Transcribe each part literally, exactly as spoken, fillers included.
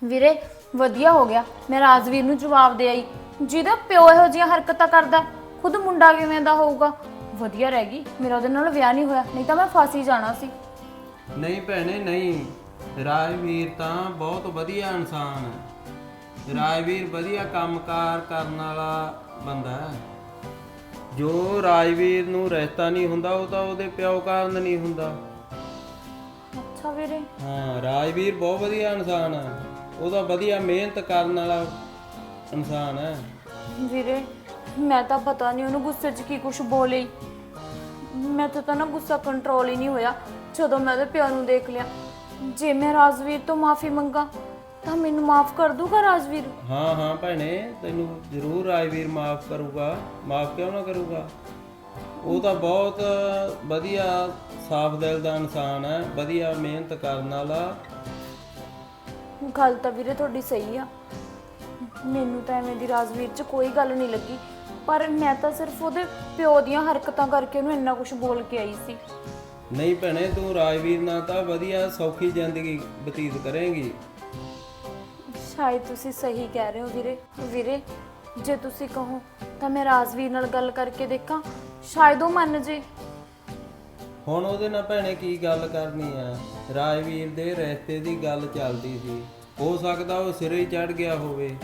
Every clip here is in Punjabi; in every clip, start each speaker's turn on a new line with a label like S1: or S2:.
S1: ਵੀਰੇ ਵਧੀਆ ਹੋ ਗਿਆ ਮੈਂ ਰਾਜਵੀਰ ਨੂੰ ਜਵਾਬ ਦੇ ਆਈ। ਜਿਹਦਾ ਪਿਓ ਇਹੋ ਜਿਹੀਆਂ ਹਰਕਤਾਂ ਕਰਦਾ ਖੁਦ ਮੁੰਡਾ ਕਿਵੇਂ ਦਾ ਹੋਊਗਾ। ਵਧੀਆ ਰਹਿ ਗਈ ਮੇਰਾ ਉਹਦੇ ਨਾਲ ਵਿਆਹ ਨਹੀਂ ਹੋਇਆ, ਨਹੀਂ ਤਾਂ ਮੈਂ ਫਸ ਹੀ ਜਾਣਾ ਸੀ।
S2: ਨਹੀਂ ਭੈਣੇ ਨਹੀਂ, ਰਾਜਵੀਰ ਤਾਂ ਬਹੁਤ ਵਧੀਆ ਇਨਸਾਨ ਹੈ। ਰਾਜਵੀਰ ਵਧੀਆ ਕੰਮਕਾਰ ਕਰਨ ਵਾਲਾ ਬੰਦਾ ਹੈ। ਜੋ ਰਾਜਵੀਰ ਨੂੰ ਰਿਸ਼ਤਾ ਨਹੀਂ ਹੁੰਦਾ ਉਹ ਤਾਂ ਉਹਦੇ ਪਿਓ ਕਾਰਨ ਨਹੀਂ ਹੁੰਦਾ।
S1: ਅੱਛਾ ਵੀਰੇ।
S2: ਹਾਂ ਰਾਜਵੀਰ ਬਹੁਤ ਵਧੀਆ ਇਨਸਾਨ ਹੈ, ਉਹ ਤਾਂ ਵਧੀਆ ਮਿਹਨਤ ਕਰਨ ਵਾਲਾ ਇਨਸਾਨ ਹੈ।
S1: ਵੀਰੇ ਮੈਂ ਤਾਂ ਪਤਾ ਨਹੀਂ ਉਹਨੂੰ ਗੁੱਸੇ 'ਚ ਕੀ ਕੁਝ ਬੋਲੀ, ਮੈਂ ਤਾਂ ਨਾ ਗੁੱਸਾ ਕੰਟਰੋਲ ਹੀ ਨਹੀਂ ਹੋਇਆ ਜਦੋਂ ਮੈਂ ਉਹਦੇ ਪਿਓ ਨੂੰ ਦੇਖ ਲਿਆ। ਜੇ ਮੈਂ ਰਾਜਵੀਰ ਤੋਂ ਮਾਫੀ ਮੰਗਾ ਤਾਂ ਮੈਨੂੰ ਮਾਫ ਕਰ ਦੂਗਾ ਰਾਜਵੀਰ?
S2: ਹਾਂ ਹਾਂ ਭੈਣੇ ਤੈਨੂੰ ਜ਼ਰੂਰ ਰਾਜਵੀਰ ਮਾਫ ਕਰੂਗਾ। ਮਾਫ ਕਿਉਂ ਨਾ ਕਰੂਗਾ, ਉਹ ਤਾਂ ਬਹੁਤ ਵਧੀਆ ਸਾਫ਼ ਦਿਲ ਦਾ ਇਨਸਾਨ ਹੈ, ਵਧੀਆ ਮਿਹਨਤ ਕਰਨ ਵਾਲਾ।
S1: ਗੱਲ ਤਾਂ ਵੀਰੇ ਤੁਹਾਡੀ ਸਹੀ ਆ, ਮੈਨੂੰ ਤਾਂ ਐਵੇਂ ਦੀ ਰਾਜਵੀਰ 'ਚ ਕੋਈ ਗੱਲ ਨਹੀਂ ਲੱਗੀ, ਪਰ ਮੈਂ ਤਾਂ ਸਿਰਫ ਉਹਦੇ ਪਿਓ ਦੀਆਂ ਹਰਕਤਾਂ ਕਰਕੇ ਉਹਨੂੰ ਇੰਨਾ ਕੁਝ ਬੋਲ ਕੇ ਆਈ ਸੀ।
S2: ਨਹੀਂ ਭੈਣੇ ਤੂੰ ਰਾਜਵੀਰ ਨਾਲ ਤਾਂ ਵਧੀਆ ਸੌਖੀ ਜ਼ਿੰਦਗੀ ਬਤੀਤ ਕਰੇਂਗੀ।
S1: ਸ਼ਾਇਦ ਤੁਸੀਂ ਸਹੀ ਕਹਿ ਰਹੇ ਹੋ ਵੀਰੇ। ਵੀਰੇ ਜੇ ਤੁਸੀਂ ਕਹੋ ਤਾਂ ਮੈਂ ਰਾਜਵੀਰ ਨਾਲ ਗੱਲ ਕਰਕੇ ਦੇਖਾਂ, ਸ਼ਾਇਦ ਉਹ ਮੰਨ ਜੇ।
S2: ਹੁਣ ਉਹਦੇ ਨਾਲ ਭੈਣੇ ਕੀ ਗੱਲ ਕਰਨੀ ਆ, ਰਾਜਵੀਰ ਦੇ ਰਿਸ਼ਤੇ ਦੀ ਗੱਲ ਚੱਲਦੀ ਸੀ, ਹੋ ਸਕਦਾ ਉਹ ਸਿਰੇ ਹੀ ਚੜ ਗਿਆ ਹੋਵੇ।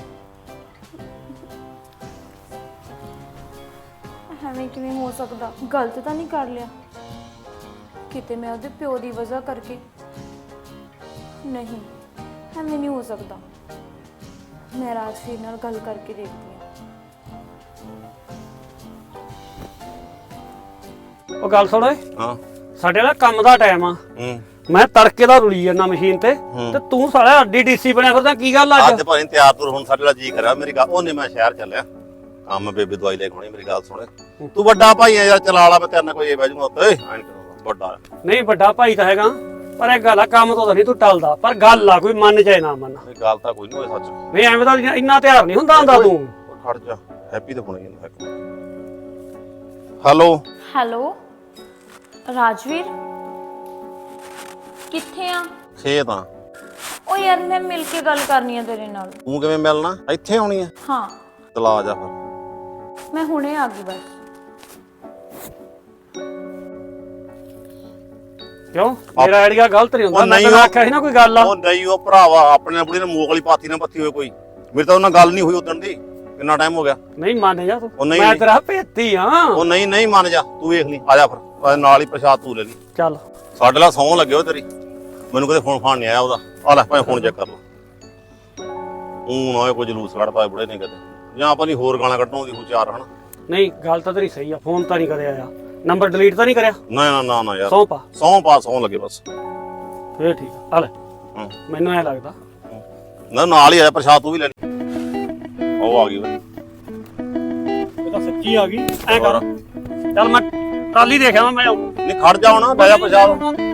S1: ਐਵੇਂ ਕਿਵੇਂ ਹੋ ਸਕਦਾ, ਗਲਤ ਤਾਂ ਨਹੀਂ ਕਰ ਲਿਆ ਕਿਤੇ ਮੈਂ ਉਹਦੇ ਪਿਓ ਦੀ ਵਜ੍ਹਾ ਕਰਕੇ? ਨਹੀਂ ਐਵੇਂ ਨਹੀਂ ਹੋ ਸਕਦਾ, ਮੈਂ ਰਾਜਵੀਰ ਨਾਲ ਗੱਲ ਕਰਕੇ ਦੇਖਦੀ ਹਾਂ।
S3: ਉਹ ਗੱਲ ਸੁਣ ਓਏ,
S4: ਹਾਂ
S3: ਸਾਡੇ ਨਾਲ ਕੰਮ ਦਾ ਟਾਈਮ ਆ।
S4: ਹੂੰ
S3: ਮੈਂ ਤੜਕੇ ਦਾ ਰੁਲੀ ਜਾਂਦਾ ਮਸ਼ੀਨ ਤੇ ਤੇ ਤੂੰ ਸਾਲਾ ਅੱਡੀ ਡੀਸੀ ਬਣਿਆ ਫਿਰਦਾ, ਕੀ ਗੱਲ ਅੱਜ?
S4: ਅੱਜ ਭਾਵੇਂ ਤਿਆਰ ਤੁਰ ਹੁਣ ਸਾਡੇ ਨਾਲ ਜੀ ਕਰਿਆ ਮੇਰੀ ਗੱਲ। ਉਹਨੇ ਮੈਂ ਸ਼ਹਿਰ ਚੱਲਿਆ ਕੰਮ, ਬੇਬੇ ਦਵਾਈ ਲੈ ਕੇ ਆਉਣੀ। ਮੇਰੀ ਗੱਲ ਸੁਣ, ਤੂੰ ਵੱਡਾ ਭਾਈ ਆ ਯਾਰ, ਚਲਾ ਲਾ, ਮੈਂ ਤੇਰੇ ਨਾਲ ਕੋਈ ਬਹਿ ਜੂਗਾ ਉੱਤੇ। ਵੱਡਾ
S3: ਨਹੀਂ ਵੱਡਾ ਭਾਈ ਤਾਂ ਹੈਗਾ, ਪਰ ਇਹ ਗੱਲ ਆ ਕੰਮ ਤੋਂ ਤਾਂ ਨਹੀਂ ਤੂੰ ਟਲਦਾ, ਪਰ ਗੱਲ ਆ ਕੋਈ ਮੰਨ ਜਾਏ ਨਾ ਮੰਨ।
S4: ਇਹ ਗੱਲ ਤਾਂ ਕੋਈ ਨਹੀਂ ਹੋਏ ਸੱਚ।
S3: ਨਹੀਂ ਐਵੇਂ ਤਾਂ ਇੰਨਾ ਤਿਆਰ ਨਹੀਂ ਹੁੰਦਾ ਹੁੰਦਾ ਤੂੰ।
S4: ਖੜ ਜਾ, ਹੈਪੀ ਤੇ ਹੋਣੀ ਹੈ। ਹੈਲੋ
S1: ਹੈਲੋ ਰਾਜਵੀਰ, ਕਿੱਥੇ ਆ?
S4: ਖੇਤ ਆ।
S1: ਉਹ ਯਾਰ ਮੈਂ ਮਿਲ ਕੇ ਗੱਲ ਕਰਨੀ ਆ ਤੇਰੇ ਨਾਲ।
S4: ਤੂੰ ਕਿਵੇਂ ਮਿਲਣਾ, ਇੱਥੇ ਆਉਣੀ ਆ?
S1: ਹਾਂ
S4: ਚਲਾ ਆ ਜਾ ਫਿਰ।
S1: ਮੈਂ ਹੁਣੇ ਆ ਗਈ ਬਸ।
S3: ਕਿਉਂ ਮੇਰਾ ਆਈਡੀਆ ਗਲਤ ਨਹੀਂ ਹੁੰਦਾ? ਮੈਂ ਤਾਂ ਆਖਿਆ ਸੀ ਨਾ ਕੋਈ ਗੱਲ ਆ।
S4: ਉਹ ਨਹੀਂ ਉਹ ਭਰਾਵਾ ਆਪਣੇ ਬੁੜੀ ਨੇ ਮੂੰਹ ਵਾਲੀ ਪਾਤੀ ਨਾ ਪੱਤੀ ਹੋਏ ਕੋਈ। ਮੇਰੇ ਤਾਂ ਉਹਨਾਂ ਗੱਲ ਨਹੀਂ ਹੋਈ ਉਦੋਂ ਦੀ, ਕਿੰਨਾ ਟਾਈਮ ਹੋ ਗਿਆ।
S3: ਨਹੀਂ ਮੰਨ ਜਾ ਤੂੰ,
S4: ਉਹ ਨਹੀਂ
S3: ਮੈਂ ਤੇਰਾ ਭੇਤੀ ਆ।
S4: ਉਹ ਨਹੀਂ ਨਹੀਂ ਮੰਨ ਜਾ, ਤੂੰ ਵੇਖ ਲਈ, ਆ ਜਾ ਫਿਰ ਨਾਲ ਹੀ ਪ੍ਰਸ਼ਾਦ ਤੂੰ ਲੈ ਲਈ।
S3: ਚੱਲ
S4: ਸਾਡੇ ਨਾਲ ਸੌਂ ਲੱਗੇ ਹੋ ਤੇਰੀ, ਮੈਨੂੰ ਕਦੇ ਫੋਨ ਫਾਨ ਨਹੀਂ ਆਇਆ ਉਹਦਾ। ਆ ਲੈ ਭਾਵੇਂ ਫੋਨ ਚੈੱਕ ਕਰ ਲਓ। ਉਹ ਨਾ ਕੋਈ ਜਲੂਸ ਕੱਢਦਾ ਬੁੜੇ ਨੇ ਕਦੇ, ਜਾਂ ਆਪਾਂ ਨਹੀਂ ਹੋਰ ਗਾਲਾਂ ਕੱਢਣੋਂ ਦੀ ਚਾਰ ਹਨਾ।
S3: ਨਹੀਂ ਗੱਲ ਤਾਂ ਤੇਰੀ ਸਹੀ ਆ, ਫੋਨ ਤਾਂ ਨਹੀਂ ਕਰਿਆ ਆਇਆ, ਨੰਬਰ ਡਿਲੀਟ ਤਾਂ ਨਹੀਂ ਕਰਿਆ?
S4: ਨਾ ਨਾ ਨਾ ਨਾ ਯਾਰ,
S3: ਸੌਂ ਪਾ
S4: ਸੌਂ ਪਾ, ਸੌਂ ਲੱਗੇ ਬਸ।
S3: ਫੇਰ ਠੀਕ ਆ, ਆ ਲੈ ਮੈਨੂੰ ਐ ਲੱਗਦਾ
S4: ਨਾ ਨਾਲ ਹੀ ਆਇਆ ਪ੍ਰਸ਼ਾਦ ਤੂੰ ਵੀ ਲੈ ਲਈ। ਉਹ ਆ ਗਈ ਵੇ,
S3: ਇਹ ਤਾਂ ਸੱਚੀ ਆ ਗਈ। ਐ ਕਰ ਚੱਲ ਮੈਂ ਟਰਾਲੀ ਦੇਖਿਆ ਮੈਂ।
S4: ਨਹੀਂ ਖੜ ਜਾ ਹੁਣ, ਬਹਿ ਜਾ ਪ੍ਰਸ਼ਾਦ।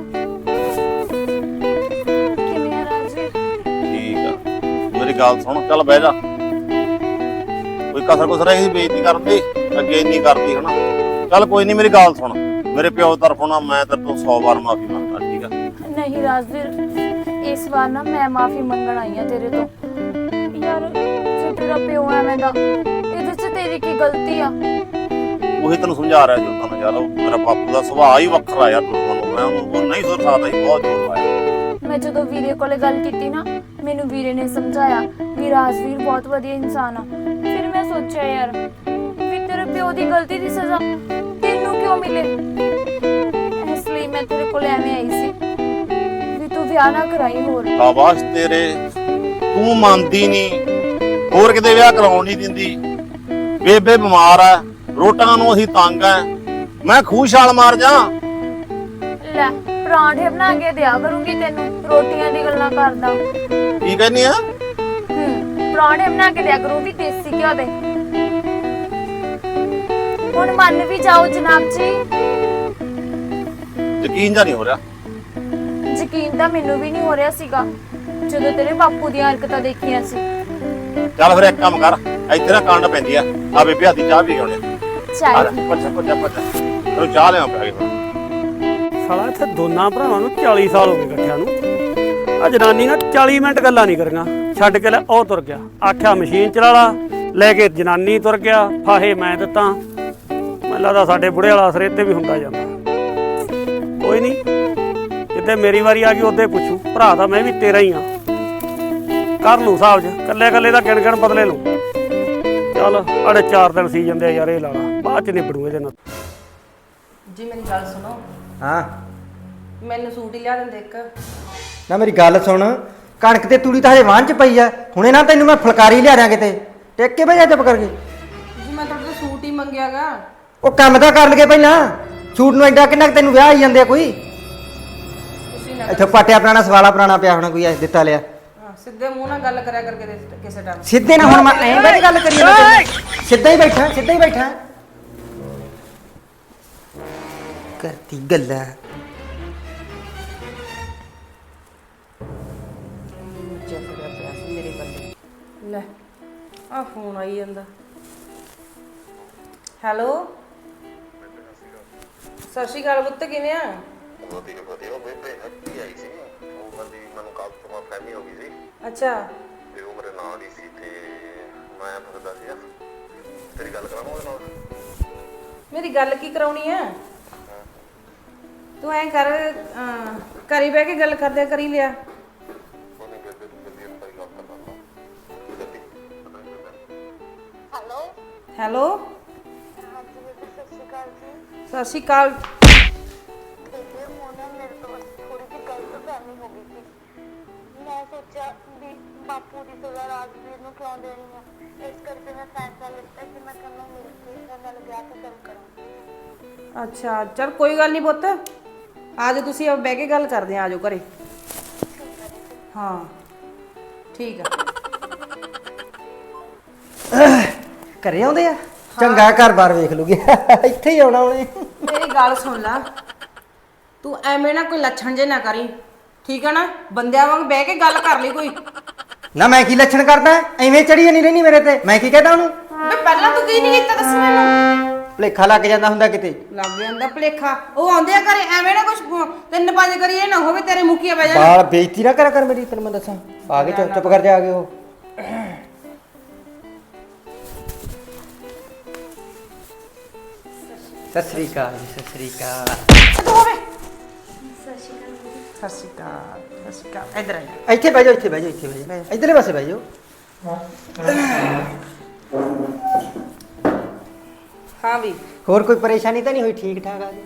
S1: ਕਿਵੇਂ ਆ ਰਾਜਵੀਰ?
S4: ਠੀਕ ਆ, ਮੇਰੀ ਗੱਲ ਸੁਣ, ਚੱਲ ਬਹਿ ਜਾ। ਕੋਈ ਕਸਰ ਕੁਸਰ ਹੈ ਬੇਇੱਜ਼ਤੀ ਕਰਨ ਦੀ, ਅੱਗੇ ਨਹੀਂ ਕਰਦੀ ਹਨਾ। ਚੱਲ ਕੋਈ ਨਹੀਂ, ਮੇਰੀ ਗੱਲ ਸੁਣ, ਮੇਰੇ ਪਿਓ ਤਰਫੋਂ ਨਾ ਮੈਂ ਤੇਰੇ ਤੋਂ ਸੌ ਵਾਰ ਮਾਫੀ ਮੰਗਦਾ, ਠੀਕ ਆ?
S1: ਨਹੀਂ ਰਾਜਵੀਰ, ਇਸ ਵਾਰ ਨਾ ਮੈਂ ਮਾਫੀ ਮੰਗਣ ਆਈ ਆ ਤੇਰੇ ਤੋਂ। ਯਾਰ ਜੇ ਤੇਰਾ ਪਿਓ ਐਵੇਂ ਦਾ, ਇਹਦੇ 'ਚ ਤੇਰੀ ਕੀ ਗਲਤੀ ਆ?
S4: ਉਹੀ ਤੈਨੂੰ ਸਮਝਾ ਰਿਹਾ ਜੋ ਤਾਂ ਯਾਰ, ਉਹ ਮੇਰਾ ਬਾਪੂ ਦਾ ਸੁਭਾਅ ਹੀ ਵੱਖਰਾ ਯਾਰ। ਮੈਂ ਉਹਨੂੰ ਨਹੀਂ ਸੁਣ ਸਕਦਾ ਸੀ, ਬਹੁਤ ਜ਼ੋਰ ਲਾਇਆ।
S1: ਮੈਂ ਜਦੋਂ ਵੀਰੇ ਕੋਲੇ ਗੱਲ ਕੀਤੀ ਨਾ, ਮੈਨੂੰ ਵੀਰੇ ਨੇ ਸਮਝਾਇਆ ਵੀ ਰਾਜਵੀਰ ਬਹੁਤ ਵਧੀਆ ਇਨਸਾਨ ਆ। ਫਿਰ ਮੈਂ ਸੋਚਿਆ ਯਾਰ ਵੀ ਤੇਰੇ ਪਿਓ ਦੀ ਗਲਤੀ ਦੀ ਸਜ਼ਾ ਤੈਨੂੰ ਕਿਉਂ ਮਿਲੇ, ਇਸ ਲਈ ਮੈਂ ਤੇਰੇ ਕੋਲੇ ਐਵੇਂ ਆਈ ਸੀ ਵੀ ਤੂੰ ਵਿਆਹ ਨਾ ਕਰਾਈ ਹੋਰ।
S4: ਸ਼ਾਬਾਸ਼ ਤੇਰੇ, ਤੂੰ ਮੰਨਦੀ ਨਹੀਂ, ਹੋਰ ਕਿਤੇ ਵਿਆਹ ਕਰਾਉਣ ਨਹੀਂ ਦਿੰਦੀ। ਬੇਬੇ ਬਿਮਾਰ ਆ, ਰੋਟੀਆਂ ਨੂੰ ਅਸੀਂ ਤੰਗ ਆ, ਮੈਂ ਖੂਹ ਛਾਲ ਮਾਰ ਜਾ।
S1: ਲੈ ਪਰਾਂਠੇ ਬਣਾ ਕੇ ਦਿਆ ਕਰੂੰਗੀ ਤੈਨੂੰ, ਰੋਟੀਆਂ ਦੀ ਗੱਲਾਂ ਕਰਦਾ।
S4: ਕੀ ਕਹਿੰਨੀ ਆ?
S1: ਹੂੰ ਪਰਾਂਠੇ ਬਣਾ ਕੇ ਦਿਆ ਕਰੂੰਗੀ ਦੇਸੀ ਘਿਓ ਦੇ। ਹੁਣ ਮੰਨ ਵੀ ਜਾਓ ਜਨਾਬ ਜੀ।
S4: ਯਕੀਨ ਜਾਂ ਨਹੀਂ ਹੋ ਰਿਹਾ?
S1: ਯਕੀਨ ਤਾਂ ਮੈਨੂੰ ਵੀ ਨਹੀਂ ਹੋ ਰਿਹਾ ਸੀਗਾ ਜਦੋਂ ਤੇਰੇ ਬਾਪੂ ਦੀਆਂ ਹਰਕਤਾਂ ਦੇਖੀਆਂ ਸੀ।
S4: ਚੱਲ ਫਿਰ ਇੱਕ ਕੰਮ ਕਰ, ਇੱਥੇ ਨਾ ਕਾਂਡ ਪੈਂਦੀ ਆ, ਆ ਬੇਬੇ ਹੱਥੀ ਚਾਹ ਵੀ ਆਉਣੀ।
S1: ਚਾਹ
S4: ਪੱਛਾ ਪੱਛਾ ਪੱਛਾ ਤੈਨੂੰ ਚਾਹ ਲਿਆ ਪਿਆ ਕੇ।
S3: ਸਾਲਾ ਇੱਥੇ ਦੋਨਾਂ ਭਰਾਵਾਂ ਨੂੰ ਚਾਲੀ ਸਾਲ ਹੋ ਗਏ ਇਕੱਠਿਆਂ ਨੂੰ, ਆ ਜਨਾਨੀ ਨਾ ਚਾਲੀ ਮਿੰਟ ਗੱਲਾਂ ਨਹੀਂ ਕਰੀਆਂ, ਛੱਡ ਕੇ ਲੈ ਉਹ ਤੁਰ ਗਿਆ। ਆਖਿਆ ਮਸ਼ੀਨ ਚਲਾ ਲਾ, ਲੈ ਕੇ ਜਨਾਨੀ ਤੁਰ ਗਿਆ। ਫਾਹੇ ਮੈਂ ਦਿੱਤਾ। ਮੈਨੂੰ ਲੱਗਦਾ ਸਾਡੇ ਬੁੜੇ ਵਾਲਾ ਅਸਰ ਇੱਥੇ ਵੀ ਹੁੰਦਾ ਜਾਂਦਾ। ਕੋਈ ਨਹੀਂ, ਜਿੱਦੇ ਮੇਰੀ ਵਾਰੀ ਆ ਗਈ ਉਹਦੇ ਪੁੱਛੂ। ਭਰਾ ਤਾਂ ਮੈਂ ਵੀ ਤੇਰਾ ਹੀ ਆ, ਕਰ ਲੂ ਹਿਸਾਬ 'ਚ। ਕੱਲੇ ਕੱਲੇ ਦਾ ਗਿਣ ਗਿਣ ਬਦਲੇ ਲੂ। ਚੱਲ ਅੜੇ ਚਾਰ ਦਿਨ ਸੀ ਜਾਂਦੇ ਆ ਯਾਰ, ਇਹ ਲਾਲਾ ਬਾਅਦ 'ਚ ਨਿਬੜੂ ਇਹਦੇ ਨਾਲ।
S5: ਜੀ ਮੇਰੀ ਗੱਲ ਸੁਣੋ,
S6: ਹਾਂ
S5: ਮੈਨੂੰ ਸੂਟ ਹੀ ਲਿਆ ਦਿੰਦੇ ਇੱਕ।
S6: ਨਾ ਮੇਰੀ ਗੱਲ ਸੁਣ, ਕਣਕ ਤੇ ਤੂੜੀ ਤਾਂ ਹਜੇ ਵਾਹਣ ਚ ਪਈ ਆ। ਹੁਣੇ ਨਾ ਤੈਨੂੰ ਮੈਂ ਫੁਲਕਾਰੀ ਲਿਆ ਦਿਆਂ ਕਿਤੇ, ਟੇਕ ਕੇ ਬਹਿ ਜਾ ਚੁੱਪ ਕਰਕੇ।
S5: ਜੀ ਮੈਂ ਤੁਹਾਡੇ ਤੋਂ ਸੂਟ ਹੀ ਮੰਗਿਆਗਾ।
S6: ਉਹ ਕੰਮ ਤਾਂ ਕਰ ਲਗੇ ਪਹਿਲਾਂ। ਸੂਟ ਨੂੰ ਐਡਾ ਕਿੰਨਾ ਕੁ ਤੈਨੂੰ ਵਿਆਹ ਆਈ ਜਾਂਦੇ ਆ ਕੋਈ?
S5: ਤੁਸੀਂ ਨਾ
S6: ਇੱਥੇ ਪਾਟਿਆ ਪੁਰਾਣਾ ਸਵਾਲਾ ਪੁਰਾਣਾ ਪਿਆ ਹੋਣਾ ਕੋਈ, ਐ ਦਿੱਤਾ ਲਿਆ।
S5: ਹਾਂ, ਸਿੱਧੇ ਮੂੰਹ ਨਾਲ ਗੱਲ ਕਰਿਆ ਕਰਕੇ ਦੇ- ਕਿਸੇ ਟਾਈਮ।
S6: ਸਿੱਧੇ ਨਾ ਹੁਣ ਮੈਂ ਐਂ ਬੈਠ ਗੱਲ ਕਰੀ ਜਾਂਦਾ। ਸਿੱਧਾ ਹੀ ਬੈਠਾ, ਸਿੱਧਾ ਹੀ ਬੈਠਾ ਕਰਤੀ ਗੱਲਾਂ।
S5: ਚੱਕਦਾ ਪਿਆ ਸੀ ਮੇਰੇ ਬੰਦੇ। ਲੈ ਆ ਫੋਨ ਆਈ ਜਾਂਦਾ। ਹੈਲੋ, ਸਤਿ ਸ਼੍ਰੀ ਅਕਾਲ ਪੁੱਤ, ਕਿਵੇਂ ਆ?
S4: ਵਧੀਆ ਵਧੀਆ। ਉਹ ਬੇਬੇ ਹੱਟੀ ਆਈ ਸੀ, ਉਹ ਬੰਦੀ ਮੈਨੂੰ ਕੱਲ ਤੋਂ ਫਹਿਮੀ ਹੋ ਗਈ ਸੀ
S5: ਅੱਛਾ,
S4: ਤੇ ਉਹ ਮੇਰੇ ਨਾਲ ਹੀ ਸੀ ਤੇ ਮੈਂ ਫਿਰਦਾ ਸੀ। ਤੇਰੀ ਗੱਲ ਕਰਾਵਾਂ ਉਹਦੇ ਨਾਲ?
S5: ਮੇਰੀ ਗੱਲ ਕੀ ਕਰਾਉਣੀ ਆ? ਤੂੰ ਐਂ ਕਰ, ਅਹ, ਘਰੀ ਬਹਿ ਕੇ ਗੱਲ ਕਰਦੇ ਕਰੀ ਲਿਆ।
S4: ਉਹਨੇ ਬੇਬੇ ਨੂੰ ਜਲਦੀ ਅੰਦਰ ਗੱਲ ਕਰਨਾ ਲਾ।
S7: ਹੈਲੋ
S5: ਹੈਲੋ,
S7: ਹਾਂਜੀ ਬੇਬੇ, ਸਤਿ ਸ਼੍ਰੀ ਅਕਾਲ ਜੀ।
S5: ਸਤਿ ਸ਼੍ਰੀ ਅਕਾਲ।
S7: ਬੇਬੇ ਹੁਣ ਨਾ ਮੇਰੇ ਤੋਂ ਥੋੜੀ ਜਿਹੀ ਗਲਤਫਹਿਮੀ ਹੋ ਗਈ ਸੀ। ਮੈਂ ਸੋਚਿਆ ਵੀ ਬਾਪੂ ਦੀ ਸਜ਼ਾ ਰਾਜਵੀਰ ਨੂੰ ਕਿਉਂ ਦੇਣੀ ਆ, ਇਸ ਕਰਕੇ ਮੈਂ ਫੈਸਲਾ ਲਿੱਤਾ ਕਿ ਮੈਂ ਤੁਹਾਨੂੰ ਮਿਲ ਕੇ ਇਹਨਾਂ ਨਾਲ ਵਿਆਹ ਤੇ ਗੱਲ ਕਰਾਂ।
S5: ਅੱਛਾ ਚਲ ਕੋਈ ਗੱਲ ਨਹੀਂ ਪੁੱਤ, ਆਜੋ ਤੁਸੀਂ ਆ ਬਹਿ ਕੇ ਗੱਲ ਕਰਦੇ ਆ। ਆਜੋ ਘਰੇ। ਹਾਂ ਠੀਕ ਆ।
S6: ਘਰੇ ਆਉਂਦੇ ਆ? ਚੰਗਾ ਘਰ-ਬਾਰ ਵੇਖ ਲੂਗੀ। ਇੱਥੇ ਹੀ ਆਉਣਾ ਉਹਨੇ।
S5: ਮੇਰੀ ਗੱਲ ਸੁਣ ਲੈ, ਤੂੰ ਐਵੇਂ ਨਾ ਕੋਈ ਲੱਛਣ ਜੇ ਨਾ ਕਰੀ, ਠੀਕ ਆ ਨਾ? ਬੰਦਿਆਂ ਵਾਂਗ ਬਹਿ ਕੇ ਗੱਲ ਕਰ ਲਈ ਕੋਈ।
S6: ਨਾ ਮੈਂ ਕੀ ਲੱਛਣ ਕਰਦਾ? ਐਵੇਂ ਚੜੀ ਨਹੀਂ ਰਹਿਣੀ ਮੇਰੇ ਤੇ। ਮੈਂ ਕੀ ਕਹਦਾ ਉਹਨੂੰ?
S5: ਬੇ ਪਹਿਲਾਂ ਤੂੰ ਕੀ ਨਹੀਂ ਕੀਤਾ, ਦੱਸ ਮੈਨੂੰ।
S6: ਭੁਲੇਖਾ ਲੱਗ ਜਾਂਦਾ ਹੁੰਦਾ ਕਿਤੇ।
S5: ਲੱਗ ਜਾਂਦਾ ਭਲੇਖਾ। ਉਹ ਆਉਂਦੇ ਆ ਘਰੇ, ਐਵੇਂ ਨਾ ਕੁਛ ਤਿੰਨ ਪੰਜ ਕਰੀ, ਇਹ ਨਾ ਹੋਵੇ ਤੇਰੇ ਮੁਖੀਆ ਬਹਿ ਜਾਣ।
S6: ਬਾਲ ਬੇਇੱਜ਼ਤੀ ਨਾ ਕਰਿਆ ਕਰ ਮੇਰੀ, ਤੈਨੂੰ ਮੈਂ ਦੱਸਾਂ। ਆ ਗਏ, ਚੁੱਪ ਚੁੱਪ ਕਰ ਜਾ। ਆ ਗਏ ਉਹ। ਸਤਿ ਸ੍ਰੀ ਅਕਾਲ ਜੀ, ਸਤਿ ਸ੍ਰੀ ਅਕਾਲ।
S5: ਤੂੰ ਹੋਵੇ।
S7: ਸਤਿ ਸ਼੍ਰੀ ਅਕਾਲ ਜੀ।
S5: ਸਤਿ ਸ਼੍ਰੀ ਅਕਾਲ, ਸਤਿ ਸ਼੍ਰੀ ਅਕਾਲ। ਇੱਧਰ ਆ ਜਾ।
S6: ਇੱਥੇ ਬਹਿ ਜਾਓ, ਇੱਥੇ ਬਹਿ ਜਾਓ, ਇੱਥੇ ਬਹਿ ਜਾਓ। ਇੱਧਰਲੇ ਪਾਸੇ ਬਹਿ ਜਾਓ।
S5: ਹਾਂ ਵੀ
S6: ਹੋਰ ਕੋਈ ਪਰੇਸ਼ਾਨੀ ਤਾਂ ਨਹੀਂ ਹੋਈ? ਠੀਕ ਠਾਕ ਆ ਜੀ?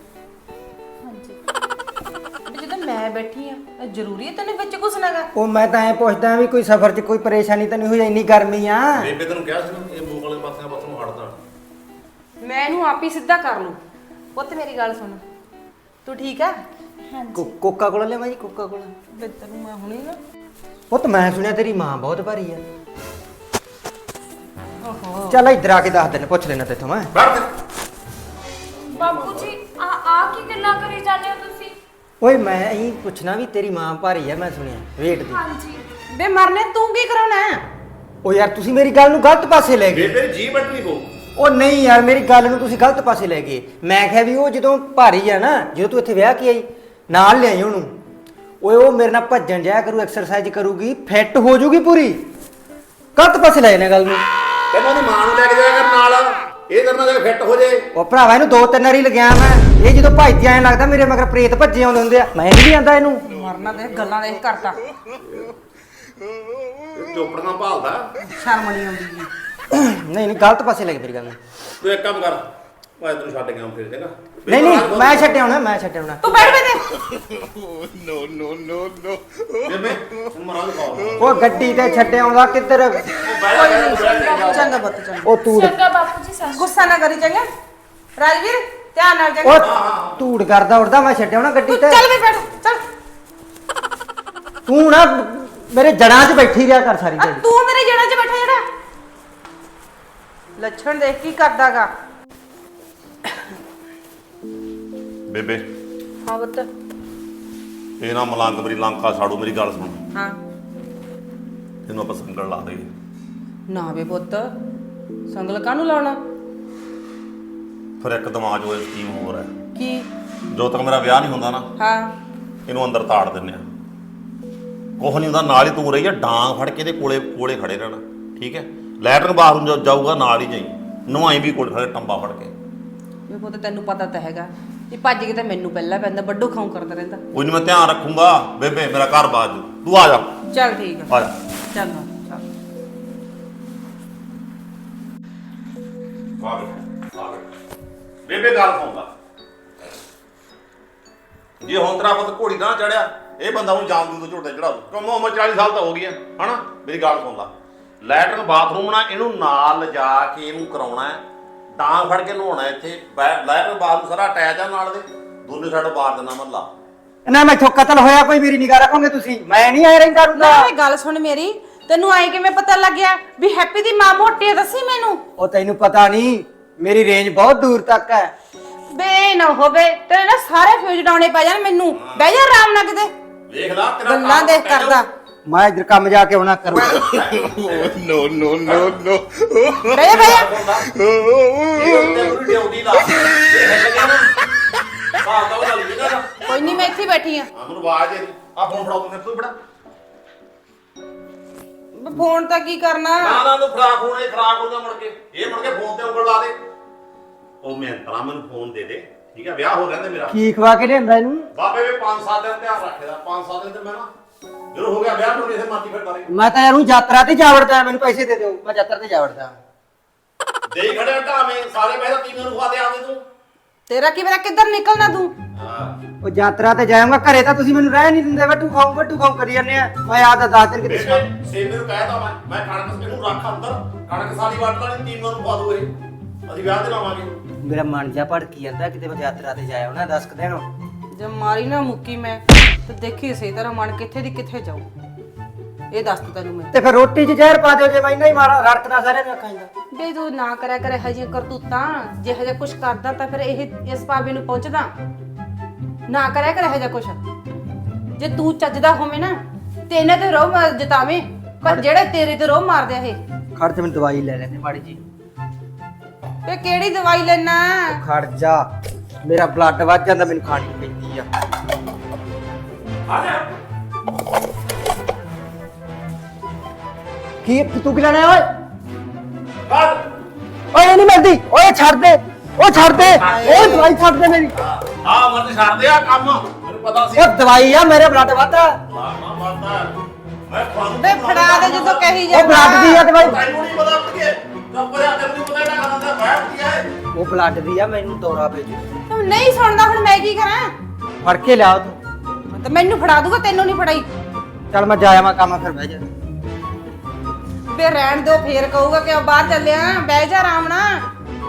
S5: ਵੀ ਜਦੋਂ ਮੈਂ ਬੈਠੀ ਆ, ਇਹ ਜ਼ਰੂਰੀ ਹੈ ਤੈਨੂੰ ਵਿੱਚ ਘੁਸਣਾਗਾ?
S6: ਉਹ ਮੈਂ ਤਾਂ ਐ ਪੁੱਛਦਾ ਵੀ ਕੋਈ ਸਫ਼ਰ 'ਚ ਕੋਈ ਪਰੇਸ਼ਾਨੀ ਤਾਂ ਨਹੀਂ ਹੋਈ? ਇੰਨੀ ਗਰਮੀ ਆ।
S4: ਬੇਬੇ ਤੈਨੂੰ ਕਿਹਾ ਸੀ ਨਾ, ਇਹ ਮੂੰਹ ਵਾਲੇ ਪਾਸਿਆਂ ਪਾਸੋਂ ਹਟਦਾ।
S5: ਮੈਂ ਇਹਨੂੰ ਆਪ ਹੀ ਸਿੱਧਾ ਕਰ ਲੂੰ। ਪੁੱਤ ਮੇਰੀ ਗੱਲ ਸੁਣ, ਤੂੰ ਠੀਕ ਆ?
S6: ਕੋ- ਕੋਕਾ ਕੋਲਾ ਲਿਆਵਾਂ ਜੀ? ਕੋਕਾ ਕੋਲਾ।
S5: ਬੇ ਤੈਨੂੰ ਮੈਂ ਹੁਣੇ ਨਾ।
S6: ਪੁੱਤ ਮੈਂ ਸੁਣਿਆ ਤੇਰੀ ਮਾਂ ਬਹੁਤ ਭਾਰੀ ਆ।
S5: ਓਹੋ,
S6: ਚੱਲ ਇੱਧਰ ਆ ਕੇ ਦੱਸ ਦਿਨ, ਪੁੱਛ ਲੈਣਾ ਤੇਥੋਂ ਮੈਂ।
S1: ਬਾਪੂ ਜੀ ਆ ਆ ਕੀ ਗੱਲਾਂ ਕਰੀ ਜਾਂਦੇ ਹੋ ਤੁਸੀਂ?
S6: ਓਏ ਮੈਂ ਇਹੀ ਪੁੱਛਣਾ ਵੀ ਤੇਰੀ ਮਾਂ ਭਾਰੀ ਆ, ਮੈਂ ਸੁਣਿਆ ਵੇਟ ਦੀ।
S1: ਹਾਂਜੀ।
S5: ਬੇ ਮਰਨੇ ਤੂੰ ਕੀ ਕਰਾਉਣਾ?
S6: ਓ ਯਾਰ ਤੁਸੀਂ ਮੇਰੀ ਗੱਲ ਨੂੰ ਗਲਤ ਪਾਸੇ ਲੈ ਗਏ।
S4: ਬੇਬੇ ਜੀ ਬਟਨੀ ਕੋ
S6: ਉਹ ਨਹੀਂ ਯਾਰ, ਮੇਰੀ ਗੱਲ ਨੂੰ ਤੁਸੀਂ ਗਲਤ ਪਾਸੇ ਲੈ ਗਏ। ਮੈਂ ਕਿਹਾ ਵੀ ਉਹ ਜਦੋਂ ਭਾਰੀ ਆ ਨਾ, ਜਦੋਂ ਤੂੰ ਇੱਥੇ ਵਿਆਹ ਕੇ ਆਈ ਨਾਲ ਲਿਆਈ ਉਹਨੂੰ। ਓਏ ਉਹ ਮੇਰੇ ਨਾਲ ਭੱਜਣ ਜਾਇਆ ਕਰੂ, ਐਕਸਰਸਾਈਜ਼ ਕਰੂਗੀ, ਫਿੱਟ ਹੋ ਜਾਊਗੀ ਪੂਰੀ। ਗਲਤ ਪਾਸੇ ਲੈ ਜਾਣਾ ਗੱਲ ਨੂੰ।
S4: ਕਹਿੰਦਾ ਉਹਦੀ ਮਾਂ ਨੂੰ ਲੈ ਕੇ ਜਾਇਆ ਕਰ ਨਾਲ, ਇਹ ਕਰਨਾ ਜੇ ਫਿੱਟ ਹੋ ਜੇ।
S6: ਉਹ ਭਰਾਵਾ ਇਹਨੂੰ ਦੋ ਤਿੰਨ ਵਾਰੀ ਲਗਿਆ ਮੈਂ। ਇਹ ਜਦੋਂ ਭੱਜਦੀ ਐਂ ਲੱਗਦਾ ਮੇਰੇ ਮਗਰ ਪ੍ਰੇਤ ਭੱਜੇ ਆਉਂਦੇ ਹੁੰਦੇ ਆ। ਮੈਂ ਨਹੀਂ ਆਂਦਾ ਇਹਨੂੰ।
S5: ਮਰਨਾ ਦੇਖ ਗੱਲਾਂ ਦੇਖ ਕਰਤਾ।
S4: ਚੋਪੜੀਆਂ ਭਾਲਦਾ।
S5: ਸ਼ਰਮ ਨਹੀਂ ਆਉਂਦੀ ਜੀ।
S6: ਨਹੀਂ ਨਹੀਂ, ਗਲਤ ਪਾਸੇ ਲੈ ਗਏ ਮੇਰੀ ਗੱਲ ਨੂੰ।
S4: ਤੂੰ ਇੱਕ ਕੰਮ ਕਰ, ਮੈਂ ਤੈਨੂੰ ਛੱਡ ਗਿਆ ਫਿਰ ਜਗਾ।
S6: ਨਹੀਂ ਨਹੀਂ, ਮੈਂ ਛੱਡਿਆ ਹੋਣਾ, ਮੈਂ ਛੱਡਿਆ ਹੋਣਾ।
S5: ਤੂੰ ਬੈਠ ਬੇ।
S4: ਬੇਬੇ ਤੈਨੂੰ ਮਰਾਂ ਦੇ ਕਾਲ।
S6: ਉਹ ਗੱਡੀ ਤੇ ਛੱਡਿਆ ਆਉਂਦਾ ਕਿੱਧਰ?
S5: ਚੰਗਾ ਬੱਤ ਚੰਗਾ।
S6: ਉਹ ਤੂੜ
S1: ਚੰਗਾ ਬਾਪੂ ਜੀ, ਸਤਿ
S5: ਗੁੱਸਾ ਨਾ ਕਰੀ ਚੰਗਾ। ਰਾਜਵੀਰ ਧਿਆਨ ਨਾਲ ਚੰਗਾ।
S6: ਉਹ ਤੂੜ ਕਰਦਾ ਉੜਦਾ, ਮੈਂ ਛੱਡਿਆ ਹੋਣਾ ਗੱਡੀ
S5: ਤੂੰ
S6: ਤੇ।
S5: ਚੱਲ ਬੇ ਬੈਠ ਚੱਲ।
S6: ਤੂੰ ਨਾ ਮੇਰੇ ਜੜਾਂ 'ਚ ਬੈਠੀ ਰਿਹਾ ਕਰ ਸਾਰੀ
S5: ਆ
S6: ਦਿਹਾੜੀ।
S5: ਤੂੰ ਮੇਰੇ ਜੜਾਂ 'ਚ ਬੈਠਾ ਜਿਹੜਾ ਲੱਛਣ ਦੇਖ ਕੀ ਕਰਦਾਗਾ।
S4: ਬੇਬੇ
S5: ਹਾਂ ਬੱਤ।
S4: ਇਹ ਨਾ ਮਲੰਗ ਮੇਰੀ ਲੰਕਾ ਸਾੜੂ। ਮੇਰੀ ਗੱਲ ਸੁਣ,
S5: ਹਾਂ
S4: ਇਹਨੂੰ ਆਪਾਂ ਸੰਗਲ ਲਾ ਦੇਈਏ।
S5: ਨਾ ਬੇ ਪੁੱਤ, ਸੰਗਲ ਕਾਹਨੂੰ ਲਾਉਣਾ?
S4: ਫਿਰ ਇੱਕ ਦਿਮਾਗ 'ਚ ਉਹ ਸਕੀਮ ਹੋਰ ਹੈ।
S5: ਕੀ?
S4: ਜਦੋਂ ਤੱਕ ਮੇਰਾ ਵਿਆਹ ਨਹੀਂ ਹੁੰਦਾ ਨਾ,
S5: ਹਾਂ
S4: ਇਹਨੂੰ ਅੰਦਰ ਤਾੜ ਦਿੰਨੇ ਆ। ਕੁਛ ਨਹੀਂ ਹੁੰਦਾ, ਨਾਲ ਹੀ ਤੂੰ ਰਹੀ ਆ, ਡਾਂਗ ਫੜ ਕੇ ਇਹਦੇ ਕੋਲੇ ਕੋਲੇ ਖੜੇ ਰਹਿਣਾ, ਠੀਕ ਹੈ। ਲੈਟਰਨ ਬਾਥਰੂਮ ਜਾ- ਜਾਊਗਾ ਨਾਲ ਹੀ ਜਾਈ, ਨਵਾਈ ਵੀ ਕੋਲ ਖੜੇ ਟੰਬਾ ਫੜ ਕੇ।
S5: ਵੇ ਪੁੱਤ ਤੈਨੂੰ ਪਤਾ ਤਾਂ ਹੈਗਾ ਇਹ ਭੱਜ ਕੇ ਤਾਂ ਮੈਨੂੰ ਪਹਿਲਾਂ ਪੈਂਦਾ, ਵੱਡੋ ਖਾਉ ਕਰਦਾ ਰਹਿੰਦਾ।
S4: ਕੋਈ ਨਹੀਂ, ਮੈਂ ਧਿਆਨ ਰੱਖੂੰਗਾ ਬੇਬੇ, ਮੇਰਾ ਘਰ ਬਾਜ ਤੂੰ ਆ ਜਾ,
S5: ਚੱਲ ਠੀਕ ਆ,
S4: ਆ ਜਾ।
S5: ਚੱਲ ਆ, ਚੱਲ।
S4: ਆ ਬੇਟਾ, ਆ ਬੇਟਾ। ਬੇਬੇ ਗੱਲ ਸੁਣਦਾ, ਜੇ ਹੁਣ ਤੇਰਾ ਪੁੱਤ ਘੋੜੀ ਨਾ ਚੜਿਆ, ਇਹ ਬੰਦਾ ਹੁਣ ਜਾਮ ਦੂ ਤੋਂ ਝੋਟੇ ਚੜਾ ਦੂ। ਕਮ ਉਮਰ ਚਾਲੀ ਸਾਲ ਤਾਂ ਹੋ ਗਈ ਆ, ਹਨਾ। ਮੇਰੀ ਗੱਲ ਸੁਣ ਲਾ, ਲੈਟਰਨ ਬਾਥਰੂਮ ਨਾ ਇਹਨੂੰ ਨਾਲ ਲਿਜਾ ਕੇ ਇਹਨੂੰ ਕਰਾਉਣਾ ਹੈ, ਡਾਂਗ ਫੜ ਕੇ ਨਹਾਉਣਾ ਇੱਥੇ। ਬੈ- ਲੈਟਰਨ ਬਾਥਰੂਮ ਸਾਰਾ ਅਟੈਚ ਆ ਨਾਲ ਦੇ, ਦੋਨੇ ਸਾਈਡ ਬਾਰ ਦੇਣਾ ਮੱਲਾ।
S6: ਨਾ ਮੈਥੋਂ ਕਤਲ ਹੋਇਆ ਕੋਈ ਮੇਰੀ ਨਿਗਾਹ ਰੱਖੋਗੇ ਤੁਸੀਂ? ਮੈਂ ਨਹੀਂ ਆਇਆ ਰਹਿੰਦਾ ਰੂੰਗਾ।
S5: ਨਾ ਗੱਲ ਸੁਣ ਮੇਰੀ, ਤੈਨੂੰ ਆਏ ਕਿਵੇਂ ਪਤਾ ਲੱਗਿਆ ਵੀ ਹੈਪੀ ਦੀ ਮਾਂ ਮੋਟੀ ਆ? ਦੱਸੀ ਮੈਨੂੰ।
S6: ਉਹ ਤੈਨੂੰ ਪਤਾ ਨਹੀਂ, ਮੇਰੀ ਰੇਂਜ ਬਹੁਤ ਦੂਰ ਤੱਕ ਹੈ।
S5: ਬੇ ਨਾ ਹੋਵੇ ਤੇਰੇ ਨਾ ਸਾਰੇ ਫਿਊਜ਼ ਡਾਉਣੇ ਪੈ ਜਾਣ ਮੈਨੂੰ। ਬਹਿ ਜਾ ਆਰਾਮ ਨਾਲ ਕਿਤੇ,
S4: ਵੇਖ ਲਾ ਤੇਰਾ
S5: ਗੱਲਾਂ ਦੇਖ ਕਰਦਾ।
S6: ਮੈਂ ਇੱਧਰ ਕੰਮ ਜਾ ਕੇ ਆਉਣਾ ਕਰੂੰ।
S4: ਨੋ ਨੋ ਨੋ ਨੋ
S5: ਬਹਿ ਜਾ ਬਹਿ ਜਾ।
S4: ਡਿਊਟੀ ਲਾ ਇਹ ਲੱਗਿਆ ਨਾ ਬਾਤ ਉਹ ਗੱਲ ਨਹੀਂ ਨਾ।
S5: ਕੋਈ ਨਹੀਂ, ਮੈਂ ਇੱਥੇ ਹੀ ਬੈਠੀ ਆ।
S4: ਆ ਮੈਨੂੰ ਆਵਾਜ਼ ਦੇ, ਆ ਫੋਨ ਫੜਾ ਤੂੰ, ਤੂੰ ਬੜਾ
S5: ਫੋਨ ਤਾਂ ਕੀ ਕਰਨਾ?
S4: ਨਾ ਨਾ ਤੂੰ ਫਰਾਕ ਹੋਣੇ ਖਰਾਕ ਹੋ ਗਿਆ ਮੁੜ ਕੇ, ਇਹ ਮੁੜ ਕੇ ਫੋਨ ਤੇ ਉਂਗਲ ਲਾ ਦੇ। ਉਹ ਮੈਂ ਤਰਾ ਮੈਨੂੰ ਫੋਨ ਦੇ ਦੇ, ਠੀਕ ਹੈ। ਵਿਆਹ ਹੋ ਰਿਹਾ ਤੇ ਮੇਰਾ
S6: ਕੀ ਖਵਾ ਕੇ ਲਿਆਂਦਾ ਇਹਨੂੰ?
S4: ਬਾਬੇ ਵੀ ਪੰਜ ਸੱਤ ਦਿਨ ਧਿਆਨ ਰੱਖੇਦਾ, ਪੰਜ ਸੱਤ ਦਿਨ ਤੇ ਮੈਂ ਨਾ ਜਦੋਂ ਹੋ ਗਿਆ ਵਿਆਹ ਨੂੰ ਇਸੇ ਮਰਜ਼ੀ ਫਿਰਦਾ ਰਹੀ।
S6: ਮੈਂ ਤਾਂ ਯਾਰ ਯਾਤਰਾ ਤੇ ਜਾ ਵੜਦਾ, ਮੈਨੂੰ ਪੈਸੇ ਦੇ ਦਿਓ, ਮੈਂ ਯਾਤਰਾ ਤੇ ਜਾ ਵੜਦਾ।
S4: ਦੇਈ ਖੜਿਆ ਢਾਵੇਂ ਸਾਰੇ ਪੈਸੇ ਤੀਵੇਂ ਨੂੰ ਖਵਾ ਦੇ ਆਵੇਂ ਤੂੰ।
S5: ਤੇਰਾ ਕੀ ਪਤਾ ਕਿੱਧਰ ਨਿਕਲਣਾ ਤੂੰ?
S4: ਹਾਂ
S6: ਉਹ ਯਾਤਰਾ ਤੇ ਜਾਊਂਗਾ, ਘਰੇ ਤਾਂ ਤੁਸੀਂ ਮੈਨੂੰ ਰਹਿ ਨਹੀਂ ਦਿੰਦੇ, ਵੱਟੂ ਖਾਉ ਵੱਟੂ ਖਾਉ ਕਰੀ ਜਾਂਦੇ ਆ। ਮੈਂ ਆਦਾ ਦਸ ਦਿਨ ਕਿਤੇ
S4: ਸੇਮੇ ਨੂੰ ਕਹਿਤਾ ਮੈਂ ਮੈਂ ਕਣਕ ਇਹਨੂੰ ਰੱਖ ਅੰਦਰ, ਕਣਕ ਸਾਰੀ ਵੱਢ ਲੈਣੀ, ਤੀਵੇਂ ਨੂੰ ਪਾ ਦੂ ਇਹ, ਅਸੀਂ ਵਿਆਹ ਤੇ ਲਾਵਾਂਗੇ।
S6: ਮੇਰਾ ਮਨ ਜਾ ਭੜਕੀ ਜਾਂਦਾ, ਕਿਤੇ ਮੈਂ ਯਾਤਰਾ ਤੇ ਜਾਇਆ ਉਹਨਾਂ ਦਸ ਕੁ ਦਿਨ।
S5: ਜੇ ਮਾਰੀ ਨਾ ਮੁੱਕੀ ਮੈਂ ਤੇ ਦੇਖੀ ਸਹੀ ਤਰ੍ਹਾਂ ਮਨ ਕਿੱਥੇ ਦੀ ਕਿੱਥੇ ਜਾਊ। ਇਹ ਦੱਸ ਤਾ ਤੈਨੂੰ ਮੈਂ।
S6: ਤੇ ਫਿਰ ਰੋਟੀ 'ਚ ਜ਼ਹਿਰ ਪਾ ਦਿਓ ਜੇ ਮੈਂ ਨਹੀਂ ਮਾਰਾ ਰੜਕਦਾ ਸਾਰਿਆਂ ਨੂੰ ਅੱਖਾਂ 'ਚ।
S5: ਬੇ ਤੂੰ ਨਾ ਕਰਿਆ ਕਰੇ ਹਜੇ ਕਰਤੂਤਾਂ, ਜੇ ਹਜੇ ਕੁਛ ਕਰਦਾ ਤਾਂ ਫਿਰ ਇਹ ਇਸ ਪਾਵੇ ਨੂੰ ਪਹੁੰਚਦਾ ਨਾ। ਕਰਿਆ ਕਰੇ ਹਜੇ ਕੁਛ, ਜੇ ਤੂੰ ਚੱਜਦਾ ਹੋਵੇਂ ਨਾ ਤੇ ਇਹਨਾਂ ਤੇ ਰੋਹ ਮਾਰ ਜਤਾਵੇਂ, ਪਰ ਜਿਹੜੇ ਤੇਰੇ ਤੇ ਰੋਹ ਮਾਰਦੇ ਆ ਇਹ।
S6: ਖੜ ਤੇ ਮੈਨੂੰ ਦਵਾਈ ਲੈ ਲੈਂਦੇ ਮਾੜੀ ਜੀ।
S5: ਤੇ ਕਿਹੜੀ ਦਵਾਈ ਲੈਣਾ?
S6: ਖੜ ਜਾ, ਮੇਰਾ ਬਲੱਡ ਵੱਧ ਜਾਂਦਾ, ਮੈਨੂੰ ਖਾਣੀ ਪੈਂਦੀ ਆ। ਕੀ ਤੂੰ ਕੀ ਲੈਣਾ ਓਏ? ਓਏ ਨਹੀਂ ਮਿਲਦੀ, ਓਏ ਛੱਡ ਦੇ, ਓ ਛੱਡ ਦੇ, ਓਏ ਦਵਾਈ ਛੱਡ ਦੇ ਮੇਰੀ।
S4: ਆ ਮਰਦ ਛੱਡ ਦੇ ਆ ਕੰਮ, ਮੈਨੂੰ ਪਤਾ ਸੀ।
S6: ਉਹ ਦਵਾਈ ਆ, ਮੇਰੇ ਬਲੱਡ ਵੱਧਦਾ।
S4: ਮਾਰਨਾ ਮਰਦਾ ਮੈਂ ਤੁਹਾਨੂੰ
S5: ਬੇ ਫੜਾ ਦੇ ਜਦੋਂ ਕਹੀ
S6: ਉਹ
S5: ਜਾਂਦਾ।
S6: ਬਲੱਡ ਦੀ ਆ ਦਵਾਈ,
S4: ਤੈਨੂੰ ਨਹੀਂ ਪਤਾ ਕਿ ਕੱਪੜਿਆ ਤੈਨੂੰ ਨਹੀਂ ਪਤਾ ਇਹਦਾ ਖਾਣਾ ਦਾ ਬਾਹਰ ਕੀ ਹੈ।
S6: ਉਹ ਬਲੱਡ ਦੀ ਆ, ਮੈਨੂੰ ਦੌਰਾ ਪੈ ਜੂ।
S5: ਤੂੰ ਨਹੀਂ ਸੁਣਦਾ, ਹੁਣ ਮੈਂ ਕੀ ਕਰਾਂ?
S6: ਫੜ ਕੇ ਲਿਆ ਤੂੰ।
S5: ਤੇ ਮੈਨੂੰ ਫੜਾ ਦੂਗਾ, ਤੈਨੂੰ ਨਹੀਂ ਫੜਾਈ।
S6: ਚੱਲ ਮੈਂ ਜਾਇਆ ਮੈਂ ਕੰਮ, ਫਿਰ ਬਹਿ ਜਾ।
S5: ਬੇ ਰਹਿਣ ਦਿਓ, ਫੇਰ ਕਹੂਗਾ ਕਿ ਬਾਹਰ ਚੱਲਿਆ, ਬਹਿ ਜਾ ਆਰਾਮ ਨਾਲ।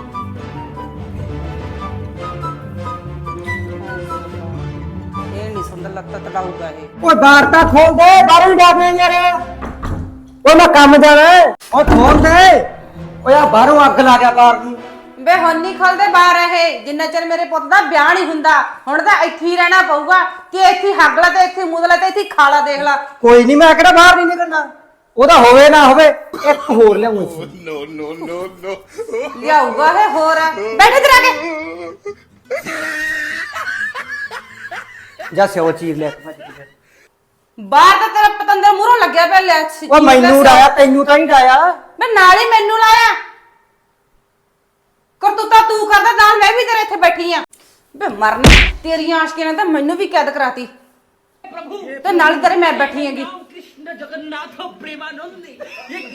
S5: ਇਹ ਨਹੀਂ ਸੁੰਦਰ ਲੱਗਦਾ, ਤੜਾਊਗਾ ਇਹ।
S6: ਓਏ ਬਾਹਰ ਤਾਂ ਖੋਲ ਦੇ, ਬਾਹਰੋਂ ਡਾਕਵੇਂ ਯਾਰ। ਓਏ ਮੈਂ ਕੰਮ ਜਾਣਾ, ਓ ਖੋਲ ਦੇ। ਓਏ ਆ ਬਾਹਰੋਂ ਅੱਗ ਲਾ ਗਿਆ ਬਾਹਰ ਨੂੰ।
S5: ਬੇ ਹੁਣ ਨਹੀਂ ਖਲਦੇ ਬਾਹਰ ਇਹ, ਜਿੰਨਾ ਚਿਰ ਮੇਰੇ ਪੁੱਤ ਦਾ ਵਿਆਹ ਨਹੀਂ ਹੁੰਦਾ। ਹੁਣ ਤਾਂ ਇੱਥੇ ਹੀ ਰਹਿਣਾ ਪਊਗਾ ਕਿ ਇੱਥੇ ਹੱਗਲਾ ਤੇ ਇੱਥੇ ਮੁਦਲਾ ਤੇ ਇੱਥੇ ਖਾਲਾ ਦੇਖ ਲਾ।
S6: ਕੋਈ ਨਹੀਂ, ਮੈਂ ਕਿਹੜਾ ਬਾਹਰ ਨਹੀਂ ਨਿਕਲਣਾ। ਉਹਦਾ ਹੋਵੇ ਨਾ ਹੋਵੇ, ਇੱਕ ਹੋਰ ਲਿਆਉਂ।
S4: ਨੋ ਨੋ ਨੋ ਨੋ
S5: ਲਿਆਊਗਾ ਇਹ ਹੋਰ। ਬੈਠੇ ਤੇ ਰਹਿ ਕੇ
S6: ਜਾ ਸਿਓ ਚੀਰ ਲੈ ਕੇ ਭੱਜ ਕੇ।
S5: ਬਾਹਰ ਤਾਂ ਤੇਰਾ ਪਤੰਦਰ ਮੂਹਰੋਂ ਲੱਗਿਆ ਪਿਆ। ਲੈ
S6: ਓ ਮੈਨੂੰ ਡਾਇਆ, ਤੈਨੂੰ ਤਾਂ ਨਹੀਂ ਡਾਇਆ।
S5: ਮੈਂ ਨਾਲ ਹੀ ਮੈਨੂੰ ਲਾਇਆ। ਕਰਤੂਤਾ ਤੂੰ ਕਰਦਾ, ਨਾਲ ਮੈਂ ਵੀ ਤੇਰੇ ਇੱਥੇ ਬੈਠੀ ਆ। ਬੇ ਮਰਨ ਤੇਰੀਆਂ ਆਸ਼ਕੀਆਂ ਨੇ ਤਾਂ ਮੈਨੂੰ ਵੀ ਕੈਦ ਕਰਾਤੀ ਤੇ ਨਾਲ ਤੇਰੇ ਮੈਂ ਬੈਠੀ ਹੈਗੀ।
S8: कृष्ण जगन्नाथ प्रेमानंदी ये